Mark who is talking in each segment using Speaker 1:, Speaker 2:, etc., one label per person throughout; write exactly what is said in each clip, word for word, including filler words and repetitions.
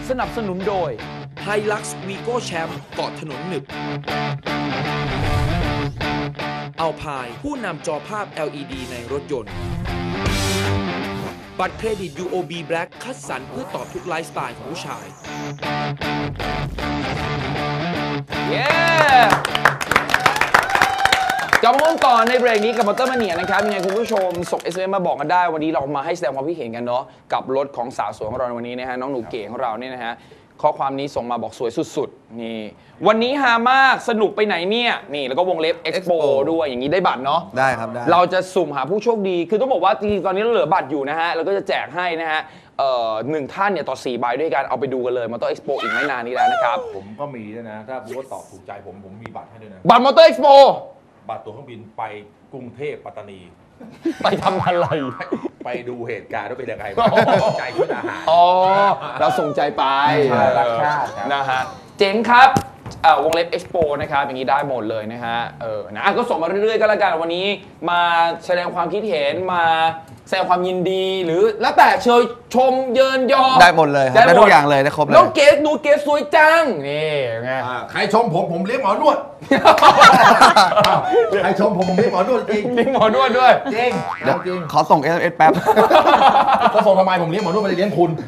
Speaker 1: สนับสนุนโดย Hilux Vigo Champ เกาะถนนหนึบอัลพายผู้นำจอภาพ แอล อี ดี ในรถยนต์บัตรเครดิต ยู โอ บี Black คัดสรรเพื่อตอบทุกไลฟ์สไตล์ของผู้ชายเย้กลับมาพูดต่อในเบรกนี้กับมอเตอร์มาเนียนะครับยังไงคุณผู้ชมส่ง เอส เอ็ม เอส มาบอกกันได้วันนี้เรามาให้แสดงความคิดเห็นกันเนาะกับรถของสาวสวยของเราในวันนี้นะฮะน้องหนูเก๋ของเราเนี่ยนะฮะข้อความนี้ส่งมาบอกสวยสุดๆนี่วันนี้ฮามากสนุกไปไหนเนี่ยนี่แล้วก็วงเล็บ Expo ด้วยอย่างนี้ได้บัตรเนาะ
Speaker 2: ได้ครับได้
Speaker 1: เราจะสุ่มหาผู้โชคดีคือต้องบอกว่าจริงๆตอนนี้เราเหลือบัตรอยู่นะฮะเราก็จะแจกให้นะฮะเอ่อหนึ่งท่านเนี่ยต่อสี่ใบด้วยกันเอาไปดูกันเลยมอเตอร์เอ็กซ์โปอีกไม่นานนี้แล้วนะครับ
Speaker 3: ผมก็มีด้วยนะถ้าพูดว่าตอบถูกใจผมผมมีบัตรให้ด้วยนะ
Speaker 1: บัตรมอเตอร์เอ็กซ์โป
Speaker 3: บัตรตั๋วเครื่องบินไปกรุงเทพปัตตานี
Speaker 1: ไปทำอะไร
Speaker 3: ไปดูเหตุการณ์ว่าเป็นยังไงใจคุณอาหาร
Speaker 1: อ๋อเราส่งใจไป
Speaker 3: รักชาติ
Speaker 1: นะฮะเจ๋งครับวงเล็บ Expo นะครับอย่างนี้ได้หมดเลยนะฮะเออนะก็ส่งมาเรื่อยๆก็แล้วกันวันนี้มาแสดงความคิดเห็นมาแสดงความยินดีหรือแล้วแต่เชยชมเยินยอ
Speaker 2: ได้หมดเลยได้ทุกอย่างเลยได้ครบเลย
Speaker 1: น้องเกสดูเกสสวยจังนี่ไง
Speaker 3: ใครชมผมผมเลี้ยงหมอนวดใครชมผมผมเลี้ยงหมอนวดจริง
Speaker 1: เลี้ยงหมอนวดด้วย
Speaker 3: จริง
Speaker 2: จริงขอส่ง เอส เอ็ม เอส แป๊บ
Speaker 3: เขาส่งทำไมผมเลี้ยงหมอนวดไม่ได้เลี้ยงคุณ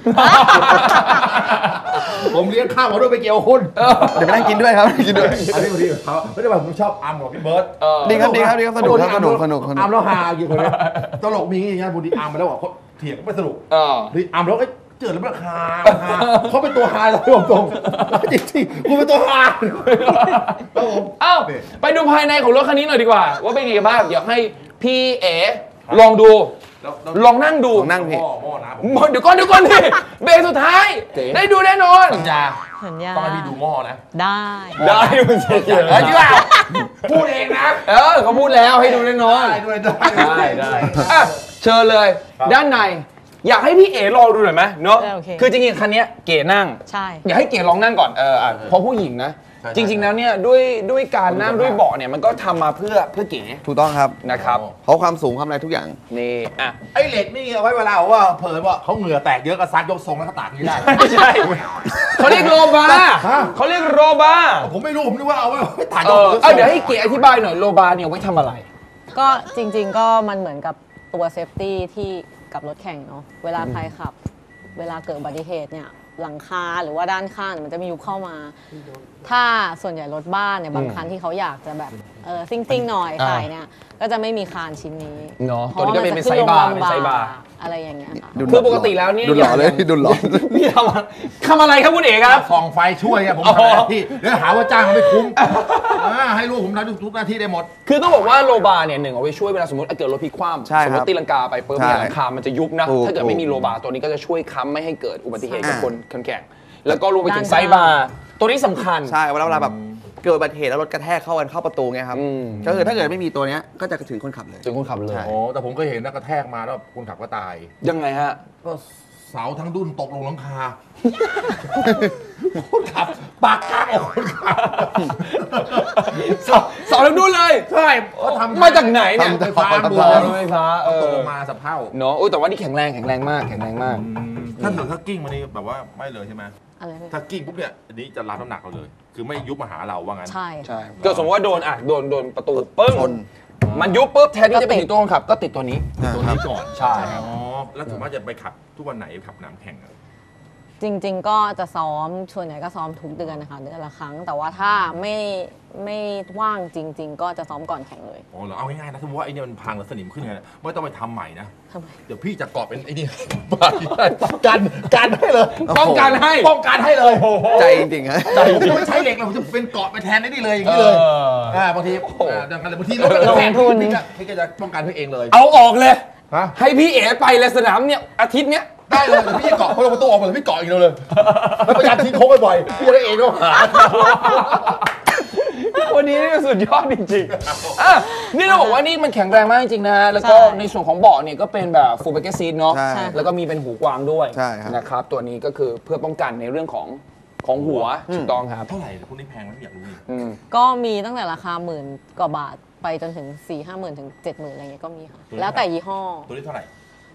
Speaker 3: ผมเลี้ยงข้าวหมอนวดไปเกี่ยวคุณ
Speaker 2: เดี๋ยวไปนั่งกินด้วยครับกินด้วย
Speaker 3: อันนี้พอดีเขาไม่ได้แบบผมชอบอัมกับพี่เบิร์ด
Speaker 2: ดีครับดีครับดีครับสนุกครับสนุกสนุก
Speaker 3: อัมแล้วฮาอยู่คนนี้ตลกมีอย่างเงี้ยพอดีอัมมาแล้วบอกเขาเถียงไม่สนุกนี่อัมแล้วก็เจอแล้วมันฮาเขาเป็นตัวฮาเลยผมตรงจริงๆคุณเป็นตัวฮา
Speaker 1: เอ้าไปดูภายในของรถคันนี้หน่อยดีกว่าว่าเป็นไงบ้างเดี๋ยวให้พี่เอ๋ลองดูลองนั่งดู
Speaker 2: นั่งพี่
Speaker 1: เดี๋ยวก่อนเดี๋ยวก่อนพี่เบรกสุดท้ายได้ดูแน่นอน
Speaker 3: สัญญา
Speaker 4: สัญญา
Speaker 3: ต้องให้พี่ดูหม้อนะ
Speaker 4: ได้
Speaker 1: ได้คุณเฉยๆเออจริงป่ะ
Speaker 3: พูดเองนะ
Speaker 1: เออเขาพูดแล้วให้ดูแน่นอน
Speaker 3: ได้ได้
Speaker 1: ได้เชิญเลยด้านในอยากให้พี่เอ๋ลองดูหน่อยไหมเนาะคือจริงๆคันนี้เก๋นั่ง
Speaker 4: ใช่
Speaker 1: อยากให้เก๋ลองนั่งก่อนเออเพราะผู้หญิงนะจริงๆแล้วเนี่ยด้วยด้วยการนั่งด้วยเบาะเนี่ยมันก็ทำมาเพื่อเพื่อเก๋
Speaker 2: ถูกต้องครับ
Speaker 1: นะครับ
Speaker 2: เพราะความสูงความอะไรทุกอย่าง
Speaker 1: นี่อ่ะ
Speaker 3: ไอ้เหล็กนี่เอาไว้เวลาว่าเผยว่าเขาเหงื่อแตกเยอะก็ซัดยกทรงแล้วก็ตากนี่ได้
Speaker 1: ไม่ใช่เขาเรียกโรบาเขาเรียกโรบา
Speaker 3: ผมไม่รู้ผมนึกว่าเอาไว้ตาก
Speaker 1: ยกทรงเดี๋ยวให้เก๋อธิบายหน่อยโรบาเนี่ยไว้ทำอะไร
Speaker 4: ก็จริงๆก็มันเหมือนกับตัวเซฟตี้ที่กับรถแข่งเนาะเวลาใครขับเวลาเกิดอุบัติเหตุเนี่ยหลังคาหรือว่าด้านข้างมันจะมียุบเข้ามาถ้าส่วนใหญ่รถบ้านเนี่ยบางคันที่เขาอยากจะแบบเออซิ่งๆหน่อยขายเนี่ยก็จะไม่มีคานชิ้นนี้
Speaker 1: เนาะตัวนี้ก็เป็นไซบาร์เป็นไซบาร์
Speaker 4: อะไรอย่างเงี้ยค่ะ
Speaker 1: คือปกติแล้วเนี่ย
Speaker 2: ดุหล่อเลยดุหล่อ
Speaker 1: พี่ทำทำอะไรครับคุณเอกครับ
Speaker 3: ส่องไฟช่วยครับผมทำหน้าที่แล้วหาว่าจ้างไม่คุ้มให้ลูกผมทำทุกหน้าที่ได้หมด
Speaker 1: คือต้องบอกว่าโรบาร์เนี่ยหนึ่งเอาไว้ช่วยเวลาสมมติเกิดรถพลิกคว่ำสมมติตีลังกาไปปุ๊บเนี่ยหลังคามันจะยุบนะถ้าเกิดไม่มีโรบาร์ตัวนี้ก็จะช่วยค้ำไม่ให้เกิดอุบัติเหตุกับคนคนแข่งแล้วก็รวมไปถึงไซบาร์ตัวนี้สำคัญ
Speaker 2: ใช่เวลาเวลาแบบเกิดอุบัติเหตุแล้วรถกระแทกเข้ากันเข้าประตูไงครับก็คือถ้าเกิดไม่มีตัวนี้ก็จะถึงคนขับเลย
Speaker 1: ถึงคนขับเลย
Speaker 3: โอ้แต่ผมก็เห็นนะกระแทกมาแล้วคนขับก็ตาย
Speaker 1: ยังไงฮะ
Speaker 3: ก็เสาทั้งดุนตกลงหลังคาคนขับปากกาออกคนขับ
Speaker 1: เสาทั้งดุนเลย
Speaker 3: ใช่เขาทำ
Speaker 1: มาจากไหนเนี่ย
Speaker 3: ไฟฟ้าบัว
Speaker 1: ไฟฟ้า
Speaker 3: ตกลงมาสะเพร่า
Speaker 1: เนาะโอ้แต่ว่านี่แข็งแรงแข็งแรงมากแข็งแรงมาก
Speaker 3: ถ้าเกิดถ้ากิ้งมานี่แบบว่าไม่เลยใช่ไหมถ้ากิ้งปุ๊บเนี่ยอันนี้จะรับน้ำหนักเราเลยคือไม่ยุบมาหาเราว่างั้น
Speaker 4: ใช่
Speaker 1: ใช่ก็สมมติว่าโดนอ่ะโดนโดนประตูปึ้งมันยุบปุ๊บแทนที่จะไปถึงตัวคนขับก็ติดตัวนี้
Speaker 3: ตัวนี้ก่อน
Speaker 1: ใช่
Speaker 3: อ๋อแล้วถึงว่าจะไปขับทุกวันไหนขับน้ำแข่ง
Speaker 4: จริงๆก็จะซ้อมส่วนใหญ่ก็ซ้อมทุกเดือนนะคะเดือนละครั้งแต่ว่าถ้าไม่ไม่ว่างจริงๆก็จะซ้อมก่อนแข่งเลย
Speaker 3: อ๋อเหรอเอาง่ายๆนะสมมติว่าไอ้นี่มันพังแล้วสนิมขึ้นไงไม่ต้องไปทำใหม่นะเดี๋ยวพี่จะเกาะเป็นไอ้นี่ป้องกันกันให้เลย
Speaker 1: ป้องกันให้
Speaker 3: ป้องกันให้เลย
Speaker 2: ใจจริงๆฮะ
Speaker 3: ใจจริงไม่ใช้เหล็กเราจะเป็นเกาะไปแทนได้ดีเลยอย่างนี้เลยอ่าบางทีดังนั้นบางทีเราแทนพี่ก็พี่ก็จะป้องกันพี่เองเลย
Speaker 1: เอาออกเลยให้พี่เอ๋ไปเลยสนามเนี่ยอาทิตย์เนี้ย
Speaker 3: ได้เลยพี่จะเกาะพอเราประตูออกมาเลยพี่เกาะอีกเลยแล้วพยายามทิ้งโค้งบ่อยๆพี่จะได้เองด้วย
Speaker 1: วันนี้นี่สุดยอดจริงๆอ่ะนี่เราบอกว่านี่มันแข็งแรงมากจริงๆนะแล้วก็ในส่วนของเบาะเนี่ยก็เป็นแบบฟูลแบ็กเกอร์ซีทเนาะแล้วก็มีเป็นหูกวางด้วยนะครับตัวนี้ก็คือเพื่อป้องกันในเรื่องของของหัวถูกต้องครับ
Speaker 3: เท่าไหร่พวกนี้แพงไหมอยากรู้
Speaker 4: ก็มีตั้งแต่ราคาหมื่นกว่าบาทไปจนถึงสี่ห้าหมื่นถึงเจ็ดหมื่นอะไรเงี้ยก็มีค่ะแล้วแต่ยี่ห้อ
Speaker 3: ตัวนี้เท่าไหร่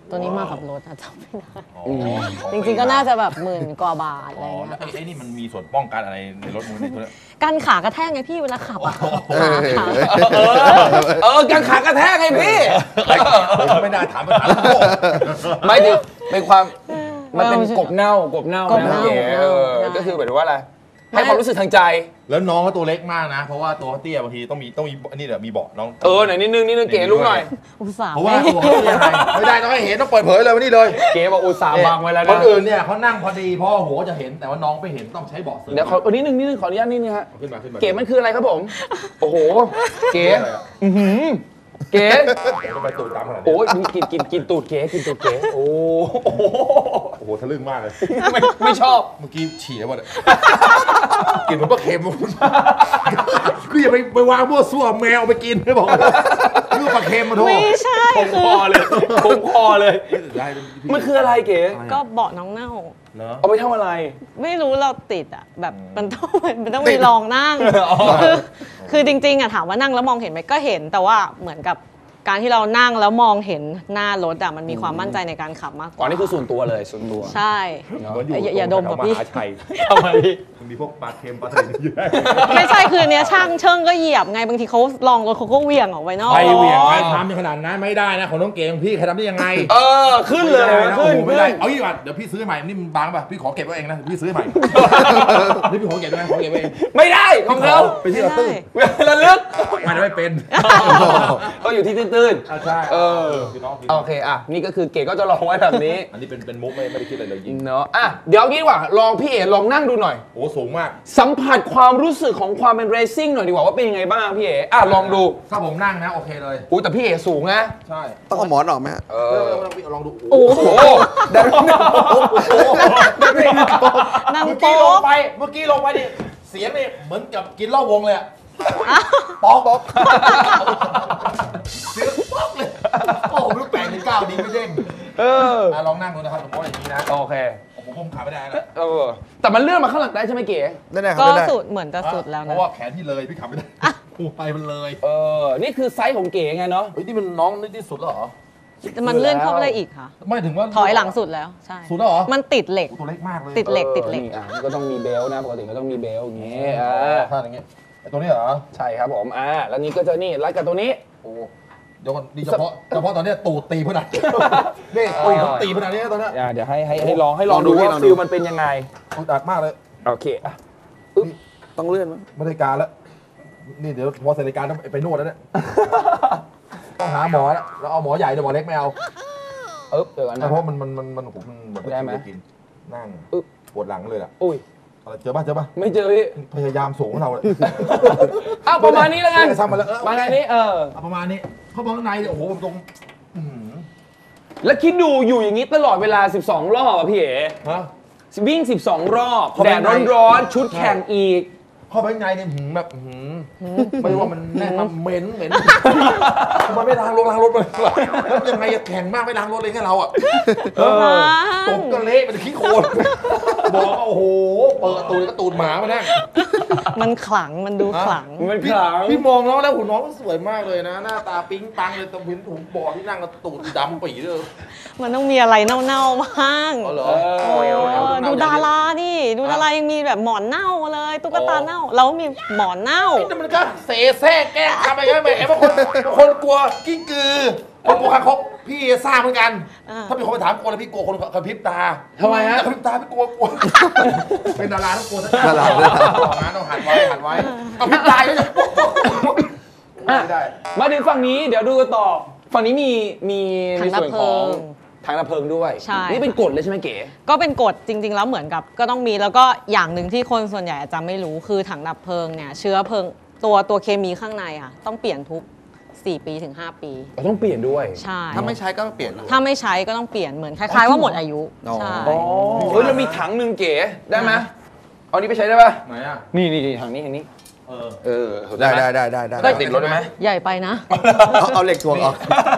Speaker 4: ตัวนี้มากับรถอะจำไม่ได้จริงๆก็น่าจะแบบหมื่นกว่าบาทอะไร
Speaker 3: อ๋อ
Speaker 4: เงี้
Speaker 3: แล้ว
Speaker 4: ย
Speaker 3: ไอ้นี่มันมีส่วนป้องกันอะไรในรถมึงในตัวเนี้ย
Speaker 4: กันขากระแทกไงพี่เวลาขับอะขาขา
Speaker 1: เออเออกังขากระแทกไงพี่
Speaker 3: ไม่น่าถามมาถามโลก
Speaker 1: ไม่ดิเป็นความมันเป็นกบเน่ากบเน่าก
Speaker 4: บเน่า
Speaker 1: ะเก๋เออ
Speaker 4: ใช่
Speaker 1: ก็คือหมายถึงว่าอะไรให้ความรู้สึกทางใจ
Speaker 3: แล้วน้องเขาตัวเล็กมากนะ เพราะว่าตัวเขาเตี้ยบางทีต้องมีต้องมีอันนี้เดี๋ยวมีเบาะน้อง
Speaker 1: เออไหนนิดนึงนิดนึงเก๋ลุกหน่อย
Speaker 4: อุตส่าห์
Speaker 3: เพราะว่าตัวเขาเตี้ยไงไม่ได้ต้องให้เห็นต้องเปิดเผยเลยวันนี้เลย
Speaker 1: เก๋บอกอุตส่าห์บังไว้แล้ว
Speaker 3: ค
Speaker 1: นะ
Speaker 3: นอื่นเนี่ยเขานั่งพอดีพ่อหัวจะเห็นแต่ว่าน้องไม่เห็นต้องใช้เบาะเสริม
Speaker 1: เดี๋ยวขอเอานิดนึงนิดนึงขออนุญาตนิดนึงฮะ
Speaker 3: ขึ้นมาขึ้นมา
Speaker 1: เก๋มันคืออะไรครับผม โอ้โห เก๋
Speaker 3: อะไรอะ
Speaker 1: อือหือเก๋
Speaker 3: ทำไมตูดตามขนาดนี้
Speaker 1: โอ้ยมีกินกินกินตูดเก๋กินตูดเก๋โอ้โห
Speaker 3: โอ้โหทะลึ่งมากเลย
Speaker 1: ไม่ไม่ชอบ
Speaker 3: เมื่อกี้ฉี่แล้ววะเนี่ยกินเหมือนปลาเค็มคืออย่าไปไปวางมั่วซั่วแมวเอาไปกินไม่บอกคือปลาเค็มมาโทษ
Speaker 4: ไม่ใช่
Speaker 1: ผม
Speaker 4: คื
Speaker 1: ค
Speaker 4: อ
Speaker 1: อเลยผมคอเลย มันคืออะไรเก๋
Speaker 4: ก็เบาะน้องเน่า
Speaker 3: เนาะ
Speaker 1: เอาไปทำอะไร
Speaker 4: ไม่รู้เราติดอ่ะแบบมันต้องมันต้องมีลองนั่งคือคือจริงๆอ่ะถามว่านั่งแล้วมองเห็นไหมก็เห็นแต่ว่าเหมือนกับการที่เรานั่งแล้วมองเห็นหน้ารถอ่ะมันมีความมั่นใจในการขับมากก
Speaker 1: อ๋อ
Speaker 4: ว่า
Speaker 1: นี่คือส่วนตัวเลยส่วนตัว
Speaker 4: ใช่
Speaker 3: เหมือนอยู่
Speaker 4: อย่าอย่าดมกับพี่
Speaker 3: แถวหาชัย
Speaker 1: ทำไมพี่
Speaker 3: มันมีพวกปลาเค็มปลาอะไรอยู่ได้
Speaker 4: ไม่ใช่คือเนี้ยช่างเชิงก็เหยียบไงบางทีเขาลองรถเขาก็เหวี่ยงออกไปนอก
Speaker 3: ใครเหวี่ยงใครทำอย่างขนาดนั้นไม่ได้นะของน้องเก๋ของพี่ใครทำได้ยังไง
Speaker 1: เออ ขึ้นเลย
Speaker 3: ไม่ได้นะ
Speaker 1: ขึ้น
Speaker 3: โอ้โหไม่
Speaker 1: ขึ้
Speaker 3: ได้
Speaker 1: น
Speaker 3: เอาอีกว่าเดี๋ยวพี่ซื้อใหม่นี่มันบางป่ะพี่ขอเก็บไว้เองนะพี่ซื้อใหม่นี่พี่ขอเก็บไว้ขอเก็บไว้เอง
Speaker 1: ไม่ได้ของเขา
Speaker 3: ไปที่เราตื้น
Speaker 1: ระลึก
Speaker 3: มันไม่เป็น
Speaker 1: เขาอยู่ที่ตื้น
Speaker 3: อ่ะใช่
Speaker 1: ๆเออ
Speaker 3: พี่น้องพี่
Speaker 1: โอเคอ่ะนี่ก็คือเก๋ก็จะลองไว้แบบนี้
Speaker 3: อันนี้เป็นเป็นมุกไม่ไม่ได้คิดอะไรเลยยิง
Speaker 1: เนาะอ่ะเดี๋ยวงี้ดีกว่าลองพี่เอ๋ลองนั่งดูหน่อย
Speaker 3: โอ้สูงมาก
Speaker 1: สัมผัสความรู้สึกของความเป็นเรซิ่งหน่อยดีกว่าว่าเป็นยังไงบ้างพี่เอ๋อ่ะลองดู
Speaker 3: ถ้าผมนั่งนะโอเคเลย
Speaker 1: อุ้ยแต่พี่เอ๋สูงนะ
Speaker 3: ใช่
Speaker 2: ต้องเอาหมอนออกไหมฮะ
Speaker 1: เอ
Speaker 3: เอ
Speaker 1: อ
Speaker 3: อลองดู
Speaker 1: โอ้โหได้ไหมได้ไหม
Speaker 4: นั่ง
Speaker 3: เมื่อกี้
Speaker 4: โป๊
Speaker 3: ลง
Speaker 4: ก
Speaker 3: ไปเมื่อกี้ลงไปดิเสียงนี่เหมือนกับกินเหล้าวงเลยอะป๊อกป๊อกเสียงป๊อกเลยโอ้โหไม่รู้แปลงหรือเก้าดีไม่เด้ง
Speaker 1: เออ
Speaker 3: อ่ะลองนั่งดูนะครับผมว่าอย่างนี้นะ
Speaker 1: โอเค
Speaker 3: โอ้โหผมขาไม่ได้นะ
Speaker 1: เออแต่มันเลื่อนมาข้างหลังได้ใช่ไหมเก๋
Speaker 2: ได้ได้ครับ
Speaker 4: ก็
Speaker 2: ได้ได้
Speaker 4: สุดเหมือนจะสุดแล้ว
Speaker 3: เพ
Speaker 4: นะ
Speaker 3: ราะว่าแขนพี่เลยพี่ขับไม่ได้หูไปมันเลย
Speaker 1: เออนี่คือไซส์ของเก๋ไงเนาะ
Speaker 3: เฮ้ยนี่มันน้องนี่ที่สุดแล้วเหรอ
Speaker 4: มันเลื่อนเข้าไปได้อีกค่ะ
Speaker 3: ไม่ถึงว่า
Speaker 4: ถอยหลังสุดแล้วใช่
Speaker 3: สุดแล้วเหรอ
Speaker 4: มันติดเหล็ก
Speaker 3: ตัวเล็กมากเลย
Speaker 4: ติดเหล็กติดเหล็ก
Speaker 1: นี่อ่ะมันก็ต้องมีเบลต์นะปกติก็ต้องมีเบลต์อย่างงี้
Speaker 3: เอ
Speaker 1: อ่
Speaker 3: อา ถ้าอย่างเงี้ยไอ้ตัวนี้เหรอ
Speaker 1: ใช่ครับผมอ่าแล้วนี่ก็จะนี่รัดกับตัวนี้
Speaker 3: โอ้เดี๋ยวก่อนนี่เฉพาะเฉพาะตอนเนี้ยตูดตีพนันนี่ตูดเขาตีพนันนี่ตอนเนี้ย
Speaker 1: อ่าเดี๋ยวให้ให้ให้ลองให้ลอง
Speaker 2: ลองดู
Speaker 1: ดู
Speaker 2: พี่
Speaker 1: ว่า
Speaker 2: ลองดู
Speaker 1: ฟิลมันเป็นยังไง
Speaker 3: ตูดอัดมากเลย
Speaker 1: โอเคอ่ะ
Speaker 2: ต้องเลื่อนมั้ย
Speaker 3: ไม่ได้การแล้วนี่เดี๋ยวพอเสร็จรายการต้องไปนวดแล้วเนี่ยต้องหาหมอแล้วแล้วเอาหมอใหญ่เดี๋ยวหมอเล็กไม่เอา
Speaker 1: เอ๊บเดี๋ยวก่อนนะ
Speaker 3: เพราะมันมันมันมันผมมันแบบ
Speaker 1: ได้ไหม
Speaker 3: กินนั่ง
Speaker 1: อึ๊บ
Speaker 3: ปวดหลังเลยล่ะ
Speaker 1: อุ้ย
Speaker 3: อะไรเจอป่ะเจอป่ะ
Speaker 1: ไม่เจอพี่
Speaker 3: พยายามสูงเราเลย
Speaker 1: อ้าวประมาณนี้แล้วกัน
Speaker 3: ทำมาแล้วเออ
Speaker 1: ประมาณนี้เออ
Speaker 3: เอาประมาณนี้เขาบอกข้างในเนี่ยโอ้โหผมตรงอื้อหือ
Speaker 1: แล้วคิดดูอยู่อย่างนี้ตลอดเวลาสิบสองรอบอ่ะพี่เอ๋
Speaker 3: ฮะ
Speaker 1: วิ่งสิบสองรอบ
Speaker 3: เข้า
Speaker 1: แด
Speaker 3: ไป
Speaker 1: ด
Speaker 3: ใน
Speaker 1: ร้อนๆชุดแข่งอีก
Speaker 3: เข้าไปข้างในเนี่ยหืมแบบหืมไม่รู้ว่ามันแน่นมาเหม็นเหม็นมันไม่ล้างรถล้างรถเลยแล้วยังไงอะแข่งมากไม่ล้างรถเลยแค่เราอ่ะ
Speaker 1: เออ
Speaker 3: ตกก็เละเป็นขี้โคลนบอกว่าโอ้โหเปิดตูดก็ตูดหมามาแน่
Speaker 4: มันขลังมันดูขลัง
Speaker 1: มันขลัง
Speaker 3: พี่มองน้องแล้วหุ่นน้องสวยมากเลยนะ หน้าตาปิ๊งปังเลยตรงพื้นถุงบอดที่นั่งกับตูดดำปีเลย
Speaker 4: มันต้องมีอะไรเน่าๆบ้าง
Speaker 3: อ๋อเหรอ
Speaker 4: โอ้ดูดาราดิดูดารายังมีแบบหมอนเน่าเลยตุ๊กตาเน่าเรามีหมอนเน่า
Speaker 3: นี่มันก็เสแสร้งแกล้งทำอะไรกันไปไอ้บางคนบางคนกลัวกิ้งกือคนกลัวคางคกพี่ทราบเหมือนกัน
Speaker 4: อ่า
Speaker 3: ถ้ามีคนมาถามกลัวแล้วพี่กลัวคนกระพริบตา
Speaker 1: ทำไมฮะ
Speaker 3: กระพริบตาพี่กลัวกลัวเป็นดาราต้องกลัว
Speaker 2: ดารา
Speaker 3: ต้องหันต้องหันไว้หันไว้กระพริบตาไม่ได้
Speaker 1: อ่ะ
Speaker 3: ไม่ได้
Speaker 1: มาถึงฝั่งนี้เดี๋ยวดูกันต่อ ฝั่งนี้มีมีใน
Speaker 4: ถัง
Speaker 1: ส่วน
Speaker 4: ดับเพลิ
Speaker 1: ของ
Speaker 4: ง
Speaker 1: ถังดับเพลิงด้วย
Speaker 4: ใช่
Speaker 1: นี่เป็นกฎเลยใช่ไหมเก๋
Speaker 4: ก็เป็นกฎจริง ๆ แล้วเหมือนกับก็ต้องมีแล้วก็อย่างหนึ่งที่คนส่วนใหญ่อาจจะไม่รู้คือถังดับเพลิงเนี่ยเชื้อเพลิงตัวตัวเคมีข้างในค่ะต้องเปลี่ยนทุกสี่ปีถึงห้าปี
Speaker 1: เราต้องเปลี่ยนด้วย
Speaker 4: ใช่
Speaker 2: ถ้าไม่ใช้ก็เปลี่ยนนะ
Speaker 4: ถ้าไม่ใช้ก็ต้องเปลี่ยนเหมือนคล้ายๆว่าหมดอายุ
Speaker 2: อ๋อ
Speaker 4: ใช่
Speaker 1: อ๋อเฮ้ยเรามีถังหนึ่งเก๋ได้ไหมเอานี้ไปใช้ได้ปะ
Speaker 3: ไหนอ่ะ
Speaker 1: นี่นี่นี่ถังนี้ถังนี้
Speaker 3: เออ
Speaker 1: เออ
Speaker 2: ได้
Speaker 1: หม
Speaker 2: ได้ได้ได้ได้
Speaker 1: ได้ติดรถได้ไหม
Speaker 4: ใหญ่ไปนะ
Speaker 2: เอาเอาเหล็กถ่วงออก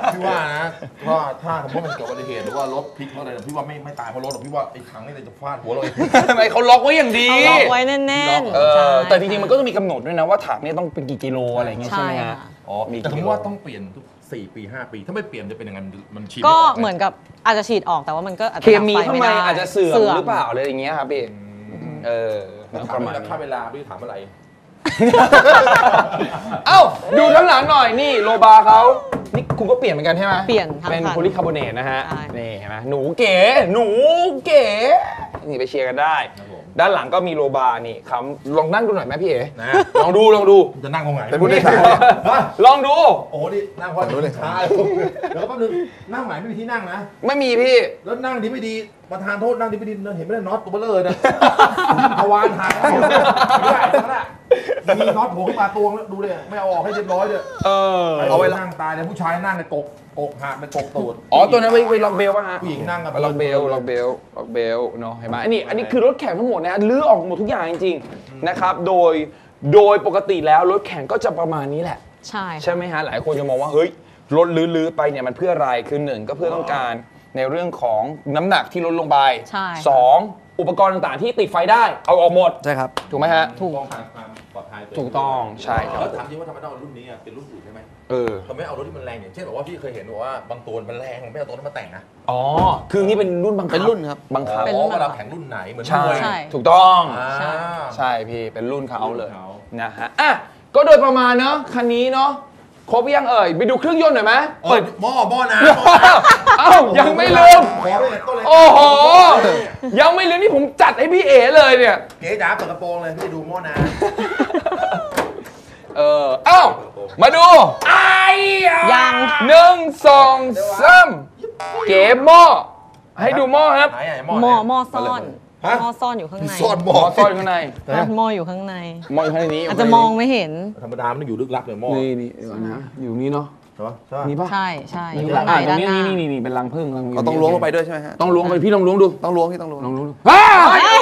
Speaker 3: พี่ว่านะว่าถ้าสมมติมันเกิดอุบัติเหตุหรือว่ารถพลิกเพราะอะไรพี่ว่าไม่ไม่ตายเพราะรถหรอกพี่ว่าไอ้ถังนี่จะฟาดหัวเราเอง
Speaker 1: ทำไมเขาล็อกไว้อย่างดี
Speaker 4: เอาล็อกไว้แน่นๆ
Speaker 1: เอ
Speaker 4: ใช่
Speaker 1: อแต่จริงๆมันก็ต้องมีกำหนดด้วยนะว่าถังเนี่ยต้องเป็นกี่กิโลอะไรอย่างเงี้ยใช่ไหม
Speaker 4: ใช่
Speaker 1: ฮะ
Speaker 4: ค่ะ
Speaker 1: อ๋อมี
Speaker 3: แต่
Speaker 1: กี่
Speaker 3: ผม
Speaker 1: กิโล
Speaker 3: ว่าต้องเปลี่ยนทุกสี่ปีห้าปีถ้าไม่เปลี่ยนจะเป็นยังไงมันมันชิน
Speaker 4: ก็
Speaker 3: ไก
Speaker 4: เหมือนกับอาจจะฉีดออกแต่ว่ามันก็อาจจะ
Speaker 1: เคมี
Speaker 4: ดับไฟ
Speaker 1: ข้าง
Speaker 4: ไม่
Speaker 1: ใน
Speaker 4: ได้
Speaker 1: อาจจะเสื่อมหรือเปล่าอะไรอย่างเงี้ยครับพี่เออ
Speaker 3: แล้ว
Speaker 1: ป
Speaker 3: ถาม
Speaker 1: ระมา
Speaker 3: ว่า
Speaker 1: ณ
Speaker 3: ค่าเวลาพี่ถามอะไร
Speaker 1: เอ้าดูด้านหลังหน่อยนี่โลบาเขานี่คุณก็เปลี่ยนเหมือนกันใช่ไหม
Speaker 4: เปลี่ยนทั้ง
Speaker 1: เป็น
Speaker 4: คัน
Speaker 1: โพลีคาร์บอเนตนะฮะ
Speaker 4: ใช่
Speaker 1: นี่เห็นไหมหนูเก๋หนูเก๋นี่ไปเชียร์กันได้ ด้านหลังก็มีโลบานี่คำลองนั่งดูหน่อยไหมพี่เอ๋
Speaker 3: นะ
Speaker 1: ลองดูลองดู
Speaker 3: จะนั่งตรงไหน
Speaker 2: เป็นผู้โดยสาร
Speaker 3: ฮะ
Speaker 1: ลองดู
Speaker 3: โอ้โหนี่นั่งพอดูเลยช้าแล้วก็แป๊บนึงนั่งไหนไม่มีที่นั่งนะ
Speaker 1: ไม่มีพี่
Speaker 3: แล้วนั่งดีไม่ดีประธานโทษนั่งดีไม่ดีเห็นไม่ได้น็อตตัวเบลอนะทวารหักไม่ได้นั่นมีน็อตโผล่ขึ้นมาตัวแล้วดูเลยไม่เอาออกให้เรียบร้อยเลย
Speaker 1: เออ
Speaker 3: เอาไว้นั่งตายเลยผู้ชายนั่งในกกกกหักเป็นกกตูด
Speaker 1: อ๋อตัวนั้นไว้ไว้ล็อกเบลป่ะฮะ
Speaker 3: ผู้หญิงนั่งกับ
Speaker 1: ล็อกเบลล็อกเบลล็อกเบลเนาะเห็นไหมอันนี้อันนี้คือรถแข่งทั้งหมดนะลื้อออกหมดทุกอย่างจริงๆนะครับโดยโดยปกติแล้วรถแข่งก็จะประมาณนี้แหละ
Speaker 4: ใช่
Speaker 1: ใช่ไหมฮะหลายคนจะมองว่าเฮ้ยรถลื้อๆไปเนี่ยมันเพื่ออะไรคือหนึ่งก็เพื่อต้องการในเรื่องของน้ำหนักที่ลดลงไป
Speaker 4: ใช่
Speaker 1: สองอุปกรณ์ต่างๆที่ติดไฟได้เอาออกหมด
Speaker 2: ใช่ครับ
Speaker 1: ถูกไหมฮะ
Speaker 4: ถูก
Speaker 3: ป้องกันความปลอดภัย
Speaker 1: ถูกต้องใช่ครับ
Speaker 3: แล้วถามจริงว่าทำไมต้องเอารุ่นนี้อ่ะเป็นรุ่นอื่นใช่ไหม
Speaker 1: เออ
Speaker 3: ทำไมเอารถที่มันแรงอย่างเช่นบอกว่าพี่เคยเห็นบอกว่าบางตัวมันแรงไม่เอาตัวนั้นมาแต่งนะ
Speaker 1: อ๋อคือนี่เป็นรุ่นบังคับ
Speaker 2: เป็นรุ่นครับ
Speaker 1: บังคับ
Speaker 4: เป็น
Speaker 3: อ๋
Speaker 4: รุ่
Speaker 3: อน เวลาแข่งรุ่นไหนเหมือน
Speaker 1: ใช่
Speaker 3: มวย
Speaker 4: ใช่
Speaker 1: ถูกต้อง
Speaker 3: อ่า
Speaker 4: ใช่
Speaker 1: ใช่พี่เป็นรุ่นเขาเลย
Speaker 3: รุ่นเขา
Speaker 1: นะฮะอ่ะก็โดยประมาณเนาะคันนี้เนาะครบยังเอ่ยไปดูเครื่องยนต์หน่อยไหม
Speaker 3: เปิ
Speaker 1: เปิ
Speaker 3: ด
Speaker 1: ด
Speaker 3: หม้อหม้อน้ำ
Speaker 1: เอ้ายังไม่ลืม
Speaker 3: ขอเลยต้นเลย
Speaker 1: โอ้โหยังไม่ลืมนี่ผมจัดให้พี่เอเลยเนี่ย
Speaker 3: เก๋จ๋าเปิดกระโปรงเลยพี่ดูหม้อน้
Speaker 1: เออเอ้ามาดูไอ้
Speaker 4: ยัง
Speaker 1: หนึ่งสองสามเก๋หม้อให้ดูหม้อครับ
Speaker 3: ำไหนไหน
Speaker 4: หม้อ
Speaker 3: ไหน
Speaker 4: หม้อซ่อน
Speaker 3: ฮะ
Speaker 4: หม้อซ่อนอยู่ข้างใน
Speaker 3: ซ่อนห
Speaker 1: ห
Speaker 3: ม้
Speaker 1: ม้
Speaker 3: อ
Speaker 1: อซ่อนอยู่ข้างใน
Speaker 4: ซ่อนหม้ออยู่ข้างใน
Speaker 1: หม้ออยู่ข้างในนี้
Speaker 4: อาจจะมองไม่เห็น
Speaker 3: ธรรมดามันต้องอยู่ลึกลับเลยหม้อ
Speaker 1: นี่นี่เดี๋ยวนะอยู่นี่เนาะ
Speaker 3: ใช่ปะใช่ปะ
Speaker 1: นี่ปะ
Speaker 4: ใช่ใช่อยู่
Speaker 1: อ่ะ
Speaker 4: ข้างใน
Speaker 1: ตรง
Speaker 4: ด้าน
Speaker 1: นี้
Speaker 4: หน้า
Speaker 1: นี่นี่นี่เป็นรังผึ้งรัง
Speaker 2: เราต้องล้วงลงไปด้วยใช่ไหมฮะ
Speaker 1: ต้องล้วงไปพี่ลองล้วงดู
Speaker 2: ต้องล้วงที่ต้องล้วง
Speaker 1: ลองล้วงดูอ้า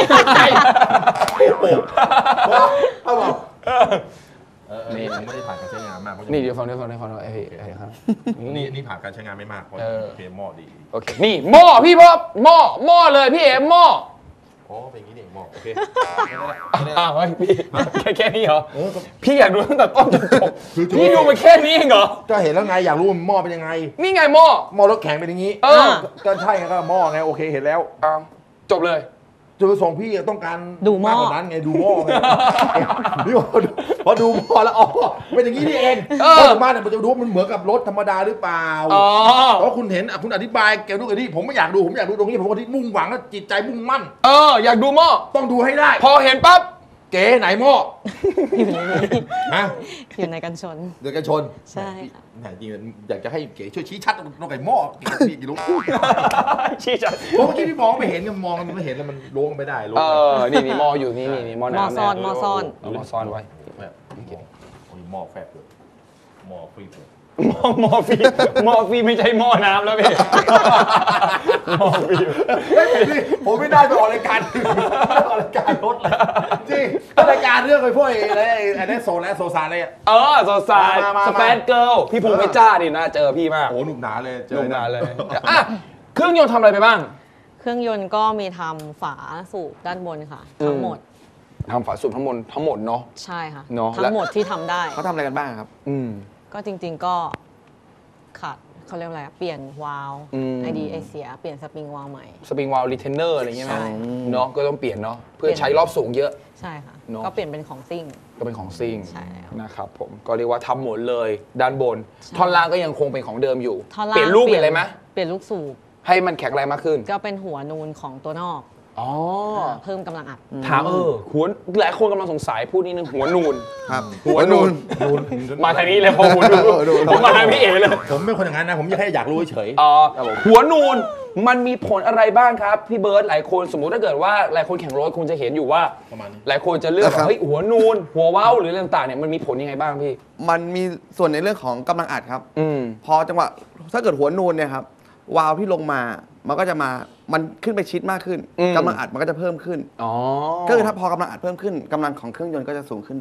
Speaker 3: เอาบอก
Speaker 1: เออ
Speaker 3: นี่ไม่ได้ผ่านการใช้งานมากเพราะ
Speaker 1: นี่เดี๋ยวฟังเดี๋ยวฟังเดี๋ยวฟังไอ้ไอ้ครับ
Speaker 3: นี่นี่ผ่านการใช้งานไม่มากเพราะ
Speaker 1: เออ
Speaker 3: โอเคหม้อดี
Speaker 1: โอเคนี่หม้อพี่พ่อหม้อหม้อเลยพี่เอ๋หม้อ
Speaker 3: อ๋อเป็นอย่างนี้นี่หม้อโอเค
Speaker 1: อ้าวพี่แค่แค่นี้เหรอ
Speaker 3: เออก็
Speaker 1: พี่อยากดูตั้งแต่ต้นจนจบ
Speaker 3: คือจุด
Speaker 1: พี่ดูมาแค่นี้เองเหรอ
Speaker 3: ก็เห็นแล้วไงอยากรู้ว่าหม้อเป็นยังไง
Speaker 1: นี่ไงหม้อ
Speaker 3: หม้อรถแข็งเป็นอย่างนี้
Speaker 1: เออ
Speaker 3: ก็ใช่ไงก็หม้อไงโอเคเห็นแล้ว
Speaker 1: อ้าวจบเลย
Speaker 3: จุดประสงค์พี่ต้องการ
Speaker 4: ดูหม้อ
Speaker 3: ากกว่านั้นไงดูหม้อไงนี่พอดูพอดูหม้อแล้วอ๋อเป็นอย่างนี้นี่เอง
Speaker 1: เออ
Speaker 3: พอถึงบ้านเนี่ยมันจะดูว่ามันเหมือนกับรถธรรมดาหรือเปล่า
Speaker 1: อ๋อ
Speaker 3: เพราะคุณเห็นอ่ะคุณอธิบายเกี่ยวกับนี่ผมไม่อยากดูผมอยากดูตรงนี้ผมก็ที่มุ่งหวังและจิตใจมุ่งมั่น
Speaker 1: เอออยากดูหม้อ
Speaker 3: ต้องดูให้ได้
Speaker 1: พอเห็นปั๊บ
Speaker 3: เก๋ไหนหม้อ
Speaker 4: อยู่ในนี้
Speaker 3: ฮะ
Speaker 4: อยู่ในกันชน
Speaker 3: เดือดกันชน
Speaker 4: ใช่ค่ะ
Speaker 3: แหมจริงๆอยากจะให้เก๋ช่วยชี้ชัดตรงไหนหม้อเก๋พี่กี่รู้
Speaker 1: ชี้จัด
Speaker 3: เพราะเมื่อกี้ที่มองไม่เห็นกันมองมันไม่เห็นแล้วมันล้วงไม่ได้ล้วง
Speaker 1: เอ
Speaker 3: ไม่ได้
Speaker 1: อนี่นี่หม้ออยู่นี่นี่นี่หม้อ
Speaker 4: หม้อ
Speaker 1: น้ำ
Speaker 4: ซ่อน
Speaker 1: เย
Speaker 4: หม้อซ่อน
Speaker 1: เอาหม้อซ่อนไว้
Speaker 3: แบบโอ้ยหม้อแฟบเลยหม้อฟรีเลย
Speaker 1: หม้อหม้อฟรีหม้อฟรีไม่ใช่หม้อน้ำแล้วพี่หม้อฟรี
Speaker 3: เฮ้ยผมนี่ผมไม่ได้ไปออกรายการอื่นออกรายการรถเลยจริงรายการเรื่องไอ้พวกไอ้อะไรไอ้นั่นโซนและโซซานอะไรอ่ะ
Speaker 1: เออสดใส
Speaker 3: มามามา
Speaker 1: สเปซเกิลพี่พงษ์เพชรจ้าดิน่าเจอพี่มาก
Speaker 3: โอ้หนุ่มหนาเลยเจ
Speaker 1: ล
Speaker 3: อง
Speaker 1: มาเลยอ่ะเครื่องยนต์ทำอะไรไปบ้าง
Speaker 4: เครื่องยนต์ก็มีทำฝาสูบด้านบนค่ะ ทั้งหมด
Speaker 1: ทำฝาสูบทั้งหมดทั้งหมดเนาะ
Speaker 4: ใช่ค่ะ
Speaker 1: เนอะ
Speaker 4: ทั้งหมดที่ทำได้
Speaker 2: เขาทำอะไรกันบ้างครับ
Speaker 1: อืม
Speaker 4: ก็จริง ๆก็ขาดเขาเรียกว่าอะไรอะเปลี่ยนวาล์ว
Speaker 1: อืม
Speaker 4: ไอดีไอเสียเปลี่ยนสปริงวาล์วใหม่
Speaker 1: สปริงวาลรีเทนเนอร์อะไรอย่างเงี้ยไหม
Speaker 4: ใช่
Speaker 1: เนาะก็ต้องเปลี่ยนเนาะเพื่อใช้รอบสูงเยอะ
Speaker 4: ใช่ค่ะ
Speaker 1: เนอะ
Speaker 4: ก็เปลี่ยนเป็นของซิ่ง
Speaker 1: ก็เป็นของซิ่ง
Speaker 4: ใช่แล้ว
Speaker 1: นะครับผมก็เรียกว่าทำหมดเลยด้านบน ท่อนล่างก็ยังคงเป็นของเดิมอยู่
Speaker 4: ท่อนล่าง
Speaker 1: เปลี่ยนลูกเปลี่ยนอะไรไหม
Speaker 4: เปลี่ยนลูกสูบ
Speaker 1: ให้มันแข็งแรงมากขึ้น
Speaker 4: ก็เป็นหัวนูนของตัวนอก
Speaker 1: อ๋อ
Speaker 4: เพิ่มกำลังอัด
Speaker 1: ถามเออหัวหลายคนกำลังสงสัยพูดนิดนึงหัวนูน
Speaker 2: ครับ
Speaker 1: หัวนูน
Speaker 3: นูน
Speaker 1: มาทางนี้เลยพอหัวนูนผมมาทางพี่เอ๋เลย
Speaker 3: ผมไม่คนอย่างนั้นนะ ผมแค่อยากรู้เฉย
Speaker 1: อ๋อหัวนูนมันมีผลอะไรบ้างครับพี่เบิร์ตหลายคนสมมุติถ้าเกิดว่าหลายคนแข่งรถคงจะเห็นอยู่ว่า
Speaker 3: ประมาณนี้
Speaker 1: หลายคนจะเลือก
Speaker 2: ครับ
Speaker 1: ว่าเฮ้ยหัวนูน หัวเว้าหรืออะไรต่างๆเนี่ยมันมีผลยังไงบ้างพี่
Speaker 2: มันมีส่วนในเรื่องของกำลังอัดครับ
Speaker 1: อืม
Speaker 2: พอจังหวะถ้าเกิดหัวนูนเนี่ยครับวาล์วที่ลงมา มันก็จะมา มันขึ้นไปชิดมากขึ้น
Speaker 1: อืม
Speaker 2: กำลังอัดมันก็จะเพิ่มขึ้น
Speaker 1: อ๋อ
Speaker 2: ก็คือถ้าพอกำลังอัดเพิ่มขึ้นกำลังของเครื่องยนต์ก็จะสูงขึ้นด้วย
Speaker 1: อ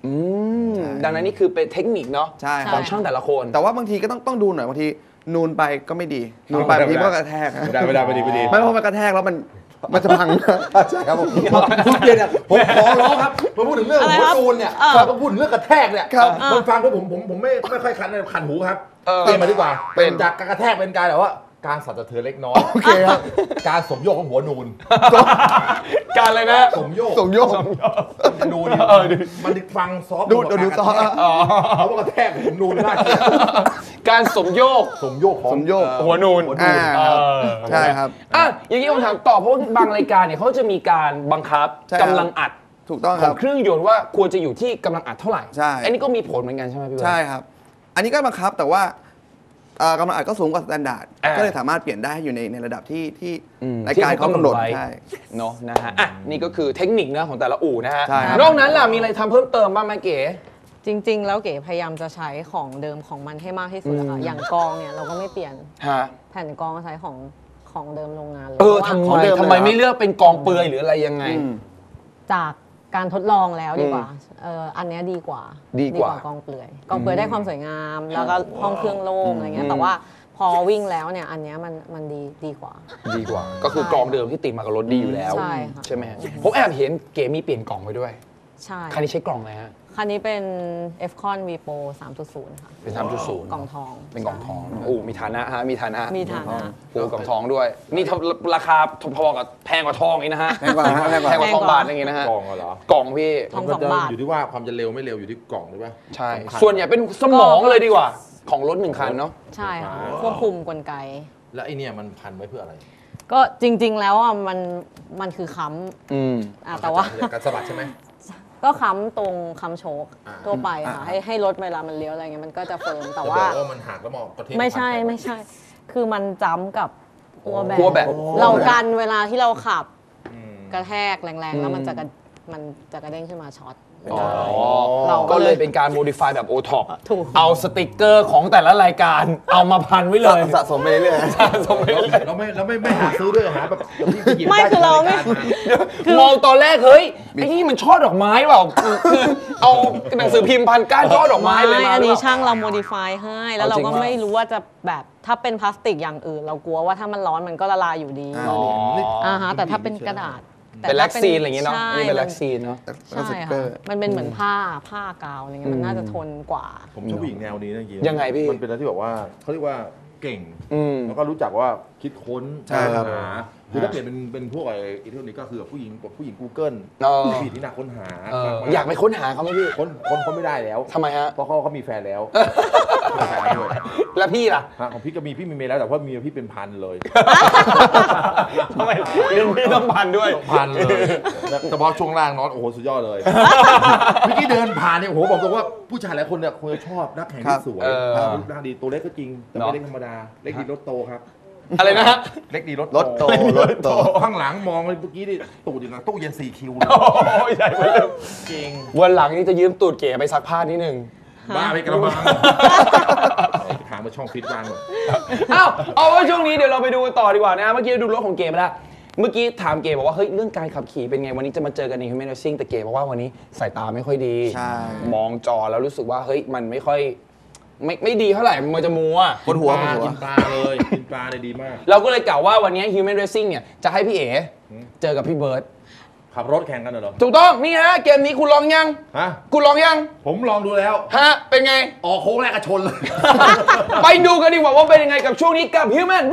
Speaker 1: อืมดังนั้นนี่คือเป็นเทคนิคเนาะ
Speaker 2: ใช่
Speaker 1: ของช่างแต่ละคน
Speaker 2: แต่ว่าบางทีก็ต้องต้องดูหน่อยบางทีนูนไปก็ไม่ดีนูนไปบางทีก็กระแทก
Speaker 3: ไม่ได้ไม่ได้ไม่ดีไม่ดี
Speaker 2: ไม่เพราะมันกระแทกแล้วมันมันจะพัง
Speaker 3: ใช่ครับผมคุณเกียรติเนี่ยผมขอร้องครับมาพูดถึงเรื่องหัวนูนเนี่ยมาพูดถึงเรื่องกระแทกเนี่ยคนฟังด้วยผมผมผมไม่ไม่ค่อยคันเลยคันหูครับเปลี่ยนมาดีกว่าเป็นจากการกระแทกเป็นการแบบว่าการสั่นสะเทือนเล็กน้อยโอเคครับการสมโยกของหัวนูน
Speaker 1: การอะไรนะ
Speaker 3: สมโยก
Speaker 2: ส่งโยก
Speaker 3: มันดูดิมันฟังซอฟต์
Speaker 2: ดูดูดูซอฟต์
Speaker 3: เขาว่ากระแทกของนูนน่าเกลียด
Speaker 1: การสมโยก
Speaker 3: สมโยกของ
Speaker 2: สมโยก
Speaker 1: หัวนูน
Speaker 2: อ่าใช่ครับ
Speaker 1: อ่ะอย่างนี้ผมถามต่อเพราะว่าบางรายการเนี่ยเขาจะมีการบังคับ
Speaker 2: ใช่ครับ
Speaker 1: กำลังอัด
Speaker 2: ถูกต้อง
Speaker 1: ข
Speaker 2: ค
Speaker 1: อ
Speaker 2: รั
Speaker 1: ง
Speaker 2: บ
Speaker 1: เครื่องยนต์ว่าควรจะอยู่ที่กำลังอัดเท่าไหร่
Speaker 2: ใช่
Speaker 1: อันนี้ก็มีผลเหมือนกันใช่ไหมพี่เบิร์ด
Speaker 2: ใช่ครับ อันนี้ก็บังคับแต่ว่าเอ่อกำลังอัดก็สูงกว่ามาตรฐาน
Speaker 1: อ่า
Speaker 2: ก็เลยสามารถเปลี่ยนได้ให้อยู่ในในระดับที่ที่
Speaker 1: อืม
Speaker 2: รายการเขากำหนด
Speaker 1: ไว้
Speaker 2: ใช่
Speaker 1: เนาะนะฮะอ่ะนี่ก็คือเทคนิคนะของแต่ละอู่นะฮะ
Speaker 2: ใช่ครับ
Speaker 1: นอกนั้นล่ะมีอะไรทำเพิ่มเติมบ้างไหมเก๋
Speaker 4: จริง ๆ แล้วเก๋พยายามจะใช้ของเดิมของมันให้มากที่สุดอะค่ะ
Speaker 1: อืม
Speaker 4: อย่างกองเนี่ยเราก็ไม่เปลี่ยน
Speaker 1: ฮะ
Speaker 4: แผ่นกองใช้ของของเดิมโรงงานเลย
Speaker 1: เออ
Speaker 4: พราะว่า
Speaker 1: ทำ
Speaker 2: ของ
Speaker 1: ไม
Speaker 2: เดิม
Speaker 1: ทำไม
Speaker 2: เลยเหรอ
Speaker 1: ไม่เลือกเป็นกองเปลือยหรืออะไรยังไง
Speaker 2: อืม
Speaker 4: จากการทดลองแล้วดีกว่าเอออันเนี้ยดีกว่า
Speaker 1: ดีกว่า
Speaker 4: กองเปลือยกองเปลือยได้ความสวยงาม แล้วก็ห้องเครื่องโล่งอะไรเงี้ยแต่ว่าพอวิ่งแล้วเนี่ยอันเนี้ยมันมันดีดีกว่า
Speaker 1: ดีกว่า ก็คือกองเดิมที่ติดมากับรถดีอยู่แล้ว
Speaker 4: ใช่ค่ะ
Speaker 1: ใช่ไหมฮะผมแอบเห็นเก๋มีเปลี่ยนกล่องไปด้วย
Speaker 4: ใช่
Speaker 1: คันนี้ใช้กล่องอะไรฮะ
Speaker 4: คันนี้เป็น F-Con V Pro สามจุดศูนย์ ค่ะ
Speaker 1: เป็นสามจุดศูนย์
Speaker 4: กล่องทอง
Speaker 1: เป็นกล่องทองโอ้มีฐานะฮะมีฐานะ
Speaker 4: มีฐานะ
Speaker 1: โอ้กล่องทองด้วย นี่ถ้าราคาพอๆกับแพงกว่าทองอีกนะฮะ
Speaker 2: แพงกว่าฮะแพงกว่า
Speaker 1: แพงกว่าทองบาทอย่างงี้นะฮะ
Speaker 3: กล่องเหรอ
Speaker 1: กล่องพี่
Speaker 4: ทอง
Speaker 3: มัน
Speaker 4: สอง
Speaker 3: จะ
Speaker 4: บาท
Speaker 3: อยู่ที่ว่าความจะเร็วไม่เร็วอยู่ที่กล่องหรือเปล่า
Speaker 1: ใช่
Speaker 3: สำคัญ
Speaker 1: ส่วนใหญ่เป็นสมองเลยดีกว่า ของรถหนึ่งคันเนาะ
Speaker 4: ใช่ค่ะควบคุมกลไก
Speaker 3: แล้วไอเนี่ยมันพันไว้เพื่ออะไร
Speaker 4: ก็จริง ๆ แล้วอ่ะมันมันคือค้
Speaker 1: อืม
Speaker 4: ำอ่ะแต่ว่า
Speaker 3: การสะบัดใช่ไหม
Speaker 4: ก็ค้ำตรงค้ำโชค
Speaker 3: อ่า
Speaker 4: ทั่วไปค่ะ
Speaker 2: อ่า
Speaker 4: ให้ให้รถเวลามันเลี้ยวอะไรเงี้ยมันก็จะเฟิร์มแต่
Speaker 3: จะบ
Speaker 4: ว่า
Speaker 3: อกว่ามันหักแล้วมองประเทศ
Speaker 4: ไม่ใช่
Speaker 3: พัน
Speaker 4: ไม่ใช่ คือมันจ้ำกับหัวแบ
Speaker 1: หัวแบต
Speaker 4: เรากันเวลาที่เราขับ
Speaker 3: อืม
Speaker 4: กระแทกแรงๆ แล้วมันจะกระมันจะกระเด้งขึ้นมาช็อต
Speaker 1: อ๋อ
Speaker 4: เราก็
Speaker 1: ก็
Speaker 4: เลย
Speaker 1: เลยเป็นการ modify แบบ โอ ท็อป
Speaker 4: ถูก
Speaker 1: เอาสติกเกอร์ของแต่ละรายการเอามาพันไว้เลย
Speaker 2: สะสมไปเรื่อยๆ
Speaker 1: สะสมไปเรื่อย
Speaker 3: เราไม่เราไม่ไม่หาซื้อด้วยหาแบบแบบที่หยิบ
Speaker 4: ไม่
Speaker 3: ด้
Speaker 4: คือเราไม่
Speaker 3: จกยกม
Speaker 1: มองตอนแรกเฮ้ยไอ้นี่มันช่อดอกไม้เปล่าคือคือเอาหนังสือพิมพ์พันก้านช่อดอกไม้เลยมา
Speaker 4: อัน
Speaker 1: หรื
Speaker 4: นี้
Speaker 1: อเปล่า
Speaker 4: ช่างเราโมดิฟายให้ แล้วเรา
Speaker 1: เอาจริง
Speaker 4: ก็
Speaker 1: เหรอ
Speaker 4: ไม่รู้ว่าจะแบบถ้าเป็นพลาสติกอย่างอื่น เรากลัวว่าถ้ามันร้อนมันก็ละลายอยู่ดี
Speaker 2: อ่า
Speaker 1: อ๋อ
Speaker 4: อ่าฮะแต่ถ้าเป็นกระดาษแต่
Speaker 1: เป็น
Speaker 4: ถ้า
Speaker 1: แล็กซีนอะไรอย่างเงี้ยเนาะ
Speaker 4: ใช่
Speaker 1: อันนี่เป็นแล็กซีนเนาะ
Speaker 2: แล้วก็
Speaker 4: ใช่
Speaker 2: สติกเกอ
Speaker 4: ค่ะ
Speaker 2: ร์
Speaker 4: มันเป็นเหมือนผ้าผ้ากาวอะไรเงี้ยมันน่าจะทนกว่า
Speaker 3: ผมชอบผู้หญิงแนวนี้นะจริง
Speaker 1: ยังไงพี่
Speaker 3: มันเป็นอะไรที่แบบว่าเขาเรียกว่าเก่ง
Speaker 1: อืม
Speaker 3: แล้วก็รู้จักว่าคิดค้น
Speaker 2: ใช่ครับ
Speaker 3: หาคือถ้าเปลี่ยนเป็นเป็นพวกไอ้อิเทอร์นี้ก็คือผู้หญิงผู้หญิง Google
Speaker 1: เออ
Speaker 3: ผู้หญิงที่น่าค้นหา
Speaker 1: เออ
Speaker 3: มๆ
Speaker 1: อยากไปค้นหาเขาไหมพี่
Speaker 3: ค้นค้นค้นไม่ได้แล้ว
Speaker 1: ทำไมฮะ
Speaker 3: เพราะเขาเขามีแฟนแล้วมีแฟนด้วย
Speaker 1: แล้วพี่ล่ะ
Speaker 3: ฮะของพี่ก็มีพี่มีเมียแล้วแต่ว่าเมียพี่เป็นพันเลย
Speaker 1: ทำไมเรื่องพี่ต้องพันด้วย
Speaker 3: พันเลยแต่พอช่วงล่างนอนโอ้โหสุดยอดเลยเมื่อกี้เดินผ่านเนี่ยโอ้โหบอกตรงว่าผู้ชายหลายคนเนี่ยคงจะชอบนักแข่งที่สวย
Speaker 1: เออ
Speaker 3: รูปร่างดีตัวเล็กก็จริงแต่ไม่เล็กธรรมดาเล็กดีรถโตครับ
Speaker 1: อะไรนะฮะ
Speaker 3: เล็กดีรถ
Speaker 2: รถโตรถโต
Speaker 3: ข้างหลังมองเลยเมื่อกี้นี่ตูดอย่างกับตู้เย็นสี่คิวเลย
Speaker 1: โอ้ยใหญ่ไปเลย
Speaker 3: จริง
Speaker 1: วันหลังนี่จะยืมตูดเก๋ไปซักผ้านิดนึง
Speaker 3: บ้าไปกระมังถามมาช่องฟิตวางหมด
Speaker 1: อ้าวเอาไว้ช่วงนี้เดี๋ยวเราไปดูกันต่อดีกว่านะ เมื่อกี้ดูรถของเก๋ไปแล้วเมื่อกี้ถามเก๋บอกว่าเฮ้ยเรื่องการขับขี่เป็นไงวันนี้จะมาเจอกันใน Human Racing แต่เก๋บอกว่าวันนี้สายตาไม่ค่อยดี
Speaker 2: ใช่
Speaker 1: มองจอแล้วรู้สึกว่าเฮ้ยมันไม่ค่อยไม่ไม่ดีเท่าไหร่มันจะมัว
Speaker 2: บนหัว
Speaker 3: ป
Speaker 2: บน
Speaker 3: ลา
Speaker 2: หัว
Speaker 3: กินปลาเลยกินปลาเลยดีมาก
Speaker 1: เราก็เลยกล่าวว่าวันนี้ Human Racing เนี่ยจะให้พี่เอ๋เจอกับพี่เบิร์ด
Speaker 3: ขับรถแข่งกันเหรอ
Speaker 1: ถูกต้องนี่ฮะเกมนี้คุณลองยัง
Speaker 3: ฮะ
Speaker 1: คุณลองยัง
Speaker 3: ผมลองดูแล้ว
Speaker 1: ฮะเป็นไง
Speaker 3: ออกโค้งแรกก็ชนเลย
Speaker 1: ไปดูกันดีกว่าว่าเป็นยังไงกับช่วงนี้กับ Human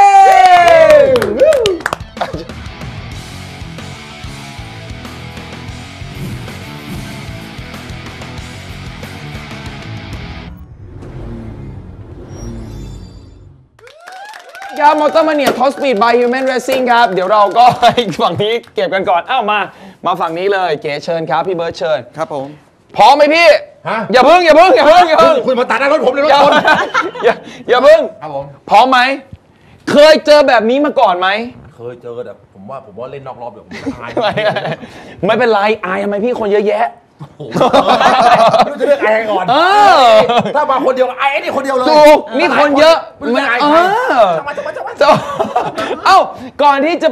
Speaker 1: Racing ครับมอเตอร์มาเนียท็อปสปีด by Human Racing ครับ เดี๋ยวเราก็ ฝั่งนี้เก็บกันก่อน อ้าวมา มาฝั่งนี้เลย เก๋เชิญครับ พี่เบิร์ดเชิญ
Speaker 2: ครับผม
Speaker 1: พร้อมไหมพี่
Speaker 3: ฮะ
Speaker 1: อย่าพึ่ง อย่าพึ่ง อย่าพึ่ง อย่าพึ่ง
Speaker 3: คุณมาตัดหน้ารถผมเลยรถ
Speaker 1: อย่า
Speaker 3: ชน
Speaker 1: อย่าอย่าพึ่ง
Speaker 3: ครับผม
Speaker 1: พร้อมไหม เคยเจอแบบนี้มาก่อนไหม
Speaker 3: เคยเจอแต่ผมว่าผมว่าเล่นนอกรอบเดี๋ยวผมตาย
Speaker 1: ไม่ไม่เป็นไร อายทำไมพี่คนเยอะแยะ
Speaker 3: โอ้โหไม่รู้จะเลือกไอ้ใครก่อน
Speaker 1: เออ
Speaker 3: ถ้ามาคนเดียวไอ้นี่คนเดียวเลย
Speaker 1: ถูกนี่คนเยอะ
Speaker 3: ไม่รู้จะไอ้
Speaker 1: เอ
Speaker 3: ใคร
Speaker 1: อ
Speaker 3: จะมาจะมาจะมา
Speaker 1: จะเอ้า ก่อนที่จะไป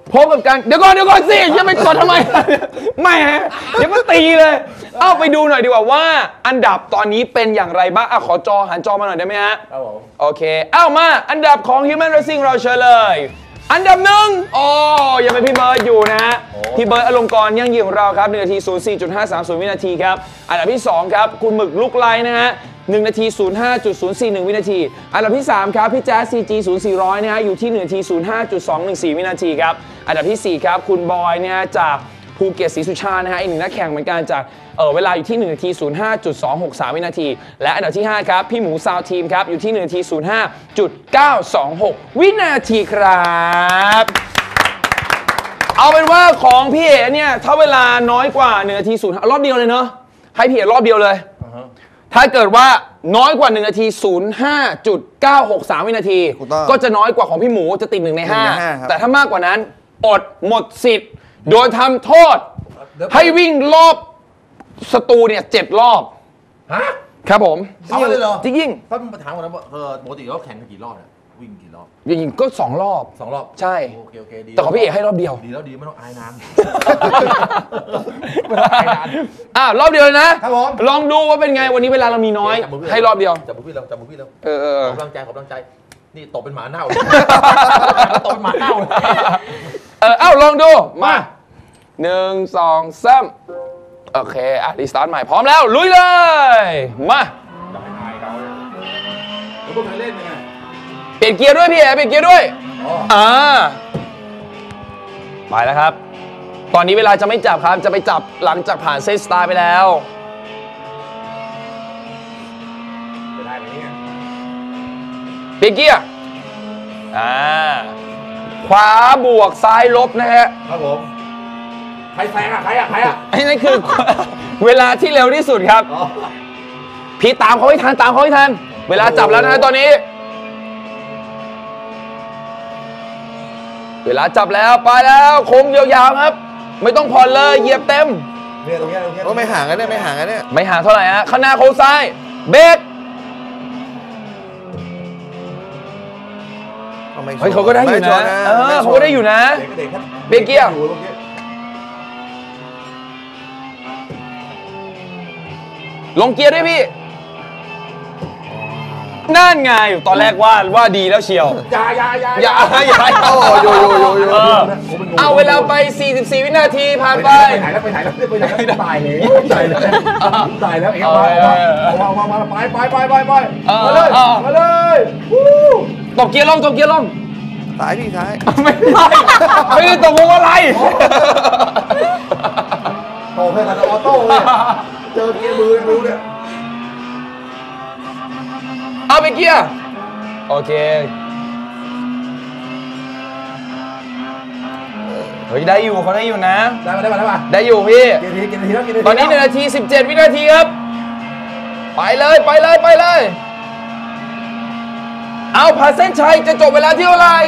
Speaker 1: พบกับการเดี๋ยวก่อนเดี๋ยวก่อนสิยังไม่กดทำไมไม่ฮะเดี๋ยวก็ตีเลยเอาไปดูหน่อยดีกว่าว่าอันดับตอนนี้เป็นอย่างไรบ้างอ่ะขอจอหันจอมาหน่อยได้ไหมฮะครับผมโอเคเอ้ามาอันดับของ Human Racing เราเชิญเลยอันดับหนึ่งโอ้ยังเป็นพี่เบิร์ดอยู่นะฮะพี่เบิร์ดอลงกรณ์ยั่งยืนของเราครับหนึ่งนาที ศูนย์สี่จุดห้าสามศูนย์ วินาทีครับอันดับที่สองครับคุณหมึกลุกไลนะฮะหนึ่งนาที ศูนย์ห้าจุดศูนย์สี่หนึ่ง วินาทีอันดับที่สามครับพี่แจ๊ส ซี จี ศูนย์สี่ร้อยนะฮะอยู่ที่หนึ่งนาที ศูนย์ห้าจุดสองหนึ่งสี่ วินาทีครับอันดับที่สี่ครับคุณบอยเนี่ยจากภูเก็ตศรีสุชานะฮะอีกหนึ่งนักแข่งเหมือนกันจากเออเวลาอยู่ที่หนึ่งนาที ศูนย์ห้าจุดสองหกสาม วินาทีและอันดับที่ห้าครับพี่หมูซาวทีมครับอยู่ที่หนึ่งนาที ศูนย์ห้าจุดเก้าสองหก วินาทีครับเอาเป็นว่าของพี่เอ๋เนี่ยถ้าเวลาน้อยกว่าหนึ่งนาทีศูนย์รอบเดียวเลยเนาะให้พี่เอ๋รอบเดียวเลยถ้าเกิดว่าน้อยกว่าหนึ่งนาที ศูนย์ห้าจุดเก้าหกสาม วินาทีก็จะน้อยกว่าของพี่หมูจะติดหนึ่งในห้าแต่ถ้ามากกว่านั้นอดหมดสิทธิ์โดยทำโทษให้วิ่งรอบสตูเนี่ยเจ็ดรอบ
Speaker 3: ฮะ
Speaker 1: ครับผม
Speaker 3: เอาเลยเหรอ
Speaker 1: จริง
Speaker 3: ๆถ้ามาถามกันนะว่าเออปกติเขาแข่งกันกี่รอบเนี่ยวิ่งกี่รอบ
Speaker 1: จริงๆก็สองรอบ
Speaker 3: สองรอบ
Speaker 1: ใช่
Speaker 3: โอเคโอเคดี
Speaker 1: แต่ของพี่เอกให้รอบเดียว
Speaker 3: ดีแล้วดีไม่ต้องอายนาน
Speaker 1: อ่ารอบเดียวเลยนะครับผมลองดูว่าเป็นไงวันนี้เวลาเรามีน้อยให้รอบเดียว
Speaker 3: จับมือพี่เราจับมือพี่เรา
Speaker 1: เออ
Speaker 3: ขอกำลังใจขอกำลังใจนี่ตบเป็นหมาเน่าตบเป็นหมาเน่า
Speaker 1: เออเอ้าลองดูมาหนึ่งสองสามโอเคอ่ะรีสตาร์ทใหม่พร้อมแล้วลุยเลยมา
Speaker 3: จะไม่อายเขาแล้วพวกใครเล่นยังไง
Speaker 1: เปลี่ยนเกียร์ด้วยพี่เอ๋เปลี่ยนเกียร์ด้วยอ่าไปแล้วครับตอนนี้เวลาจะไม่จับครับจะไปจับหลังจากผ่านเซตสตาร์ไปแล้ว
Speaker 3: จะได้ไหมเนี่ย
Speaker 1: เปลี่ยนเกียร์อ่าขวาบวกซ้ายลบนะฮะ
Speaker 3: ครับผมใครแซงอ่ะใครอ่ะใครอ่ะ
Speaker 1: ไอ้นั่นคือเวลาที่เร็วที่สุดครับพี่ตามเขาให้ทันตามเขาให้ทันเวลาจับแล้วนะตอนนี้เวลาจับแล้วไปแล้วโค้งยาวๆครับไม่ต้องผ่อนเลยเหยียบเต็ม
Speaker 3: เนี่ยตรงนี้ตรงนี้
Speaker 2: ก็ไม่ห่างกันเนี่ยไม่ห่างกันเนี่ย
Speaker 1: ไม่ห่างเท่าไหร่ฮะข้างหน้าโค้งซ้ายเบรกเฮ้ยเขาก็ได้อยู่นะเออเขาก็ได้อยู่นะเบรกเกียร์ลงเกียร์ด้วยพี่นั่นไงตอนแรกว่าว่าดีแล้วเชียว
Speaker 3: อย่าอย่าอย่า
Speaker 1: อย่าอย่าโอ้โยโยโยโยเอาเวลาไปสี่สิบสี่วินาทีผ่านไป
Speaker 3: ไปไหนแล้วไปไหนแล้วไปไหนแล้วตายเลยตายแล้วตายแล้วเอ็งมามามาไปไปไปไปไปมาเลยมาเลย
Speaker 1: ตบเกียร์ลงตบเกียร์ลง
Speaker 2: ซ้ายพี่ซ้าย
Speaker 1: ไม่ได้ไม่ได้ตบวงอะไร
Speaker 3: โตแค่กันออโต้เลยเจอเกียร์มือไม่รู้เนี่ย
Speaker 1: เอาไปเกียร์โอเคเฮ้ยได้อยู่เขาได้อยู่นะ
Speaker 3: ได้มาได้มาได้มา
Speaker 1: ได้อยู่พี่
Speaker 3: เกียร์ทีเกียร์ทีแล้วเกียร์ที
Speaker 1: ตอนนี้หนึ่งนาทีสิบเจ็ดวินาทีครับไปเลยไปเลยไปเลยเอาผ่านเส้นชัยจะจบเวลาที่เท่าไหร่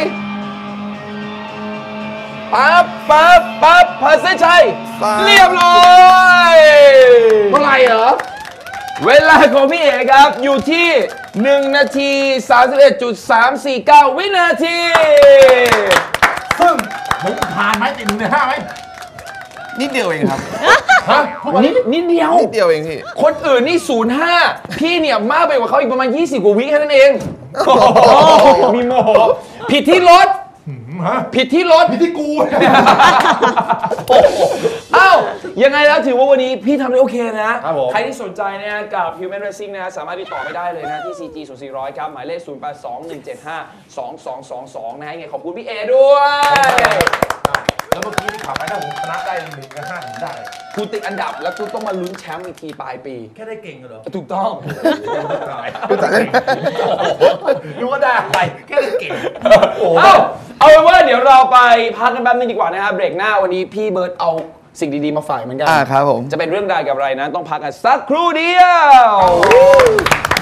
Speaker 1: ปั๊บปั๊บปั๊บผ่านเส้นชัยเรียบร้อย
Speaker 3: เท่าไหร่เหรอ
Speaker 1: เวลาของพี่เอกครับอยู่ที่หนึ่งนาที สามสิบเอ็ดจุดสามสี่เก้า วินาที
Speaker 3: ซึ่งผมผ่านไหมติดหนึ่งในห้าไหม
Speaker 2: นิดเดียวเองครับ
Speaker 1: ฮะนิดนิดเดียว
Speaker 2: นิดเดียวเองพี่
Speaker 1: คนอื่นนี่ศูนย์ห้าพี่เนี่ยมากไปกว่าเขาอีกประมาณยี่สิบกว่าวิแค่นั้นเองมีโมโหผิดที่รถผิดที่รถ
Speaker 3: ผิดที่กู
Speaker 1: อ้าวยังไงแล้วถือว่าวันนี้พี่ทำได้โอเคนะใครที่สนใจนะกับ Human Racing นะสามารถติดต่อไม่ได้เลยนะที่ ซี จี ศูนย์สี่ร้อยครับหมายเลขศูนย์ แปด สอง หนึ่ง เจ็ด ห้า สอง สอง สอง สองนะฮะยังไงขอบคุณพี่เอด้วย
Speaker 3: แล้วเมื่อกี้ที่ขับไปถ้าผมชนะได้หนึ่งกับห้าผมได้
Speaker 1: กูติดอันดับแล้วกูต้องมาลุ้นแชมป์อีกทีปลายปี
Speaker 3: แค่ได้เก่งเหรอ
Speaker 1: ถูกต้อง
Speaker 3: รู้ว่าได้อะไรแค่ได้เก่ง
Speaker 1: เอาเอาเป็นว่าเดี๋ยวเราไปพักกันแป๊บนึงดีกว่านะครับเบรกหน้าวันนี้พี่เบิร์ดเอาสิ่งดีๆมาฝากเหมือนกัน
Speaker 2: อ่าครับผม
Speaker 1: จะเป็นเรื่องราวกับอะไรนะต้องพักกันสักครู่เดียว